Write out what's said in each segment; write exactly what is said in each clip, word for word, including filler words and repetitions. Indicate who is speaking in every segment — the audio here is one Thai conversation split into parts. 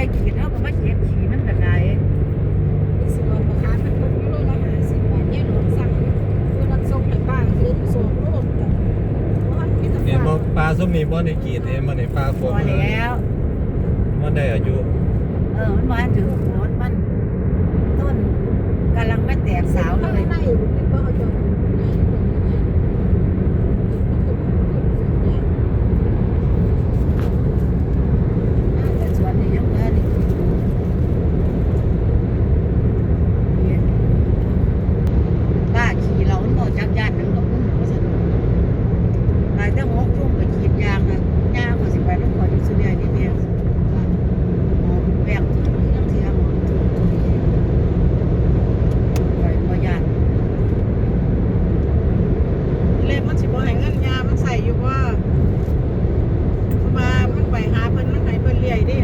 Speaker 1: ได้กินเนาะก็มาเก็บขี้มันก็ได้
Speaker 2: สิบวันราคาเป็นคนยุโรปละห้าสิบบาทเนี่ยหลวงสั่งตัวรับส่งในบ้านคือส่งโลกแต่ว่ามีแต่
Speaker 3: เห็นบ่
Speaker 2: ฝาก
Speaker 3: ปลาส้มนี่บ่ได้กรีดเห็นบ่ได้ปลาฝ
Speaker 1: พอน แล้ว
Speaker 3: มันได้อายุ
Speaker 1: เออมันมาถึงโคนมันต้นกำลังไม่แตกสาวเลย
Speaker 2: ในเป็นบ่เอาจน
Speaker 1: แต่สวนนี่ยังเออนี่ป้าขี่เรามันบ่จักย่านหนึงกับคุณว่าซั่นหลายแต่หกทุ่มไปขีดยางนะย่างก็สิไปนำขออยู่ซุเดียนี่แม่หอมแป้งทุกอย่างที่หอมทุกตัวนี้ไปบ่ย่าน
Speaker 2: เล่มมันสิบ่ให้เงินยามันใส่อยู่ว่ามามันไปหาเพิ่นมันให้เพิ่นเลี้ยงดิ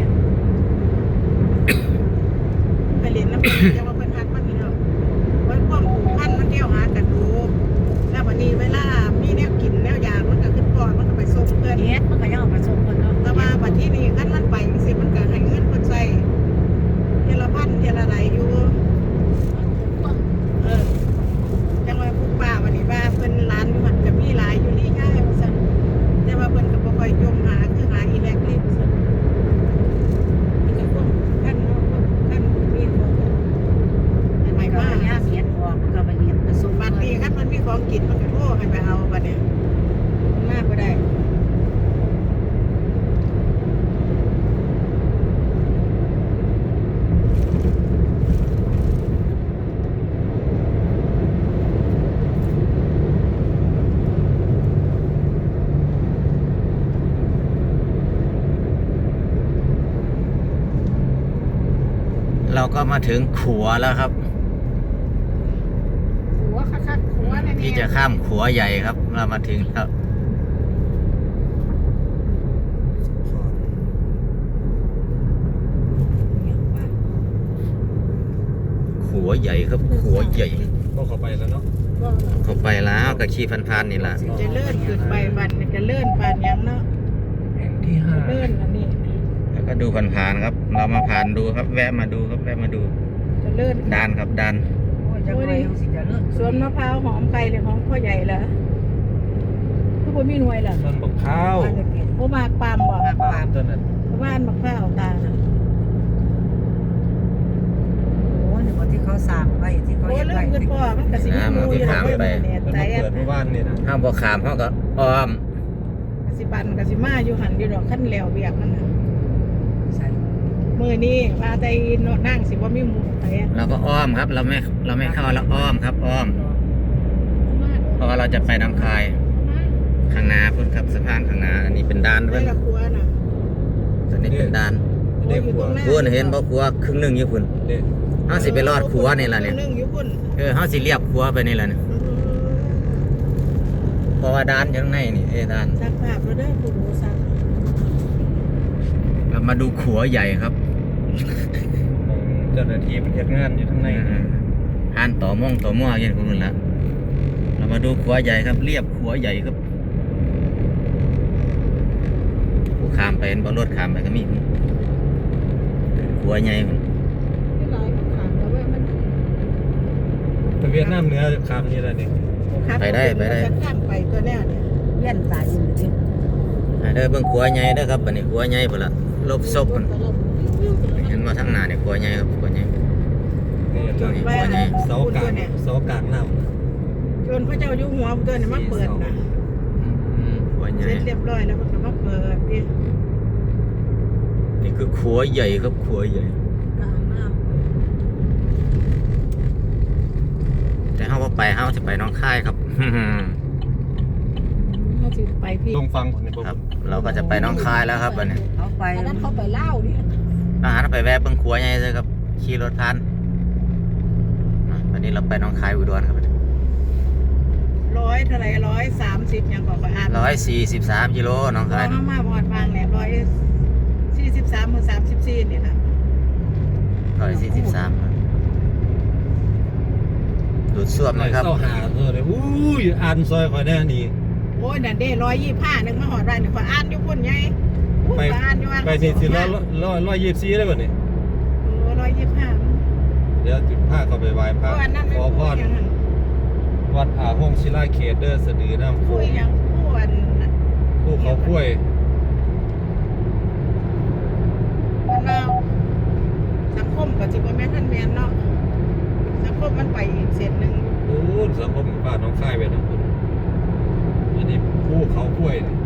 Speaker 2: ไปเรียนน้ำเพิ่นจะว่าเพิ่นฮักมันนี่เนาะไว้พวกผูกพันมันเที่ยวหากันดูแล้ววันนี้เวลามีแนวกินแนวยามันก็ขึ้นก่อนมันก็ไปส่งเพิ่น
Speaker 1: เฮ็ดมันก็ยังเอามาส่งคนเนาะ
Speaker 2: แต่ว่าบัดที่นี่คันมันไปจังซี่มันก็ให้เงินเพิ่นใส่เทละพันเทละไหลอยู่เออจังว่าผู้ป้าวันนี้ว่าเพิ่นร้านอยู่มันก็มีหลายอยู่นี่ย่ายว่าซั่นแต่ว่าเพิ่นก็บ่ค่อยจมหาคือหาอีแลกลิปซั่นนี่ก็พวกท่านเนาะท่านมีพวก
Speaker 1: มัน
Speaker 2: ไป
Speaker 1: ก็
Speaker 2: มา
Speaker 1: ย่าเฮ็ดออกมันก็ไปเฮ็ดไปส่ง
Speaker 2: บัดนี้คันมันมีของกินมันก็โทรให้ไปเอาบัดนี้มันมาบ่ได้
Speaker 4: เราก็มาถึงขัวแล้วครับ
Speaker 2: หัวคักๆหัวแน่ๆ
Speaker 4: ที่จะข้ามขัวใหญ่ครับ เรามาถึงแล้วขัวใหญ่ครับขัวใหญ่
Speaker 3: ก็เข้าไปแล้วเนาะ
Speaker 2: บ่
Speaker 4: เข้าไปแล้วก็ขี่พันๆนี่ละ
Speaker 2: สิจะเลื่อนขึ้นไปบัดนี่ก็เลื่อนปานหยังเนาะ
Speaker 3: แห่งที่ห้า
Speaker 2: เลื่อนอันนี้
Speaker 4: แล้วก็ดูผ่านๆครับ เรามาผ่านดูครับ แวะมาดูครับแวะมาดู
Speaker 2: จะเลื่อน
Speaker 4: ดานครับดาน
Speaker 1: โอ้ยจังได๋ยังสิจะเลิก
Speaker 2: สวนมะพร้าวหอมไก่เลยของพ่อใหญ่เหรอคือบ่มีหน่วยเหรอ
Speaker 3: ต้นบักข้าว
Speaker 2: โอ้มากปามบ่
Speaker 3: ปลาต้นนั้น
Speaker 2: บ้านมะพร้าวตาน่ะ
Speaker 1: โอ้ยนี่บ่ที่เขาสร้างไว้ที่เขา
Speaker 2: โอ้
Speaker 1: เฮ็ด
Speaker 2: เลื่อ
Speaker 1: ไว้
Speaker 2: นขึ้นพ่อมันก็สิมีหมู่อยู่แล้วเพิ่นเนี่ย
Speaker 3: เพิ่น
Speaker 2: ใจ
Speaker 3: มา
Speaker 2: อ่ะ
Speaker 3: เปิดเมื่อวานนี่นะ
Speaker 4: ห้ามพอขามเขาก็อ้อม
Speaker 2: กสิบันกสิมาอยู่หันอยู่ดอกขั้นแล้วเบียกมันน่ะ
Speaker 1: ใส่
Speaker 2: มื้อนี้ว่าแต่โนนั่งสิบ่มีหมู่ไปอ่ะ
Speaker 4: เราก็อ้อมครับ เราไม่เราไม่เข้าเราอ้อมครับ อ้อม เพราะว่าเราจะไปน้ำคายข้างหน้าพุ่นครับสะพานข้างหน้าอันนี้เป็นดานด้ว
Speaker 2: ได้
Speaker 4: ย
Speaker 2: ละครัวน่ะ
Speaker 4: ตัวนี้เป็นดาน
Speaker 3: เด็กหัว
Speaker 4: พุ่นเห็นบ่ครัวครึ่งหนึงอยู่พุ่น
Speaker 3: เด็ก
Speaker 4: เฮาสิไปรอดครัวนี่ล่ะเนี่ย
Speaker 2: นึงอยู่พุ่น
Speaker 4: เออเฮาสิเรียบครัวไปนี่ล่ะเนี่ยเพราะว่าดานอยู่ข้างในนี่เอ้ดาน
Speaker 2: ซักภาพแล้วเด้อผู้ดูซัก
Speaker 4: เรามาดูขัวใหญ่ครับ
Speaker 3: เจ้าหน้าที่มันเฮ็ดงานอยู่ข้างใน
Speaker 4: หานต่อม่องต่อม่ออย่างคุณละเรามาดูขัวใหญ่ครับ เรียบขัวใหญ่ครับผู้ขามไปเป็นบอรถขามไปก็มีขัวใหญ่พุ่น
Speaker 2: ที่หลายขางแล้วว่ามัน
Speaker 3: ไปเวียดนามเหนือคำนี้แหละนี่
Speaker 4: ไปได้ไปได้
Speaker 2: จะข้ามไปตัวแนวเนี่ย
Speaker 1: เวียนตายอยู่ที่
Speaker 4: เด้อเบิ่งขัวใหญ่เด้อครับอันนี้ขัวใหญ่พุ่นละลบซบพุ่นเห็นว่าทั้งหน้าเนี่ยขัวใหญ่ครับขัวใหญ่
Speaker 3: นี่
Speaker 4: ตัวนี้
Speaker 2: ไป
Speaker 4: ขัวใหญ่
Speaker 3: เสากลางเสากลางเน่า
Speaker 2: จนพระเจ้าอยู่หัวตัวเนี่ยมาเปิดนะ
Speaker 4: อืมขัวใหญ่
Speaker 2: เสร็จเรียบร้อยแล้วมันก็มาเปิดที่
Speaker 4: นี่คือขัวใหญ่ครับขัวใหญ่
Speaker 2: กลางน้
Speaker 4: แต่เฮาบ่ไปเฮาจะไปหน้องค่ายครับ
Speaker 2: ำถ้าสิไปพี่
Speaker 3: ตรงฟังคนนี้บ่
Speaker 4: ครับ เราก็จะไปหน้องค่ายแล้วครับอันนี้
Speaker 1: เขาไป
Speaker 2: อันนั้นเขาไปเล่าเนี่ย
Speaker 4: อาหารไปแวะเบิ่งขัวใหญ่เลยครับขี่รถผ่านอ่ะวันนี้เราไปหน้องค่ายอุดรครับ
Speaker 2: ร้อยเท่าไหร่ร้อยสามสิบยังบอกไปอ่าน
Speaker 4: ร้อยสี่สิบสามกิโลหน้อง
Speaker 2: ร้อ
Speaker 4: ค่าย ย
Speaker 2: เข้ามาบอดวางเนี่ยร้อยสี่สิบสามหรือสามสิบสี่เนี่ยค่ะ
Speaker 4: ร้อยสี่สิบสามดูดซ่วมเลยครับ
Speaker 3: เข้าหาเออเลยอู้ยอ่านซอยคอยแน่นี่
Speaker 2: โอ้ยนั่นเด้ร้อยยี่ห้าหนึ่งมาหอดไรหนึ่งขออ่านอยู่พุ่นไงอุ้ย
Speaker 3: ไป
Speaker 2: ขออ่านอยู่ว่า
Speaker 3: ไปไปนี่สิร้อยร้อยร้อยยี่สิบสี่ได้ป่ะนี่
Speaker 2: โอ้ร้อยยี่สิบห้า
Speaker 3: เดี๋ยวจุดผ้าเข้าไปไหว้พ
Speaker 2: เพ
Speaker 3: ระ
Speaker 2: ราะอันนั้น
Speaker 3: ข
Speaker 2: ไม่
Speaker 3: อ
Speaker 2: พู
Speaker 3: พ
Speaker 2: ด
Speaker 3: ร
Speaker 2: อย่างนั้น
Speaker 3: วัดอาห้องศิลาเขตเด้อสะดือน้ำโข
Speaker 2: พูด
Speaker 3: ง
Speaker 2: อย่างพูดอัน
Speaker 3: ภูเขาคุ้วย
Speaker 2: มันว่าสังคมกับจิบแม่นท่านแมนเนาะสังคมมันไปอีกเส้นหนึ่ง
Speaker 3: โอ้สังคมบ้านน้องค่ายไปนะคุณอันนี้ภูเขาคุ้วยนี่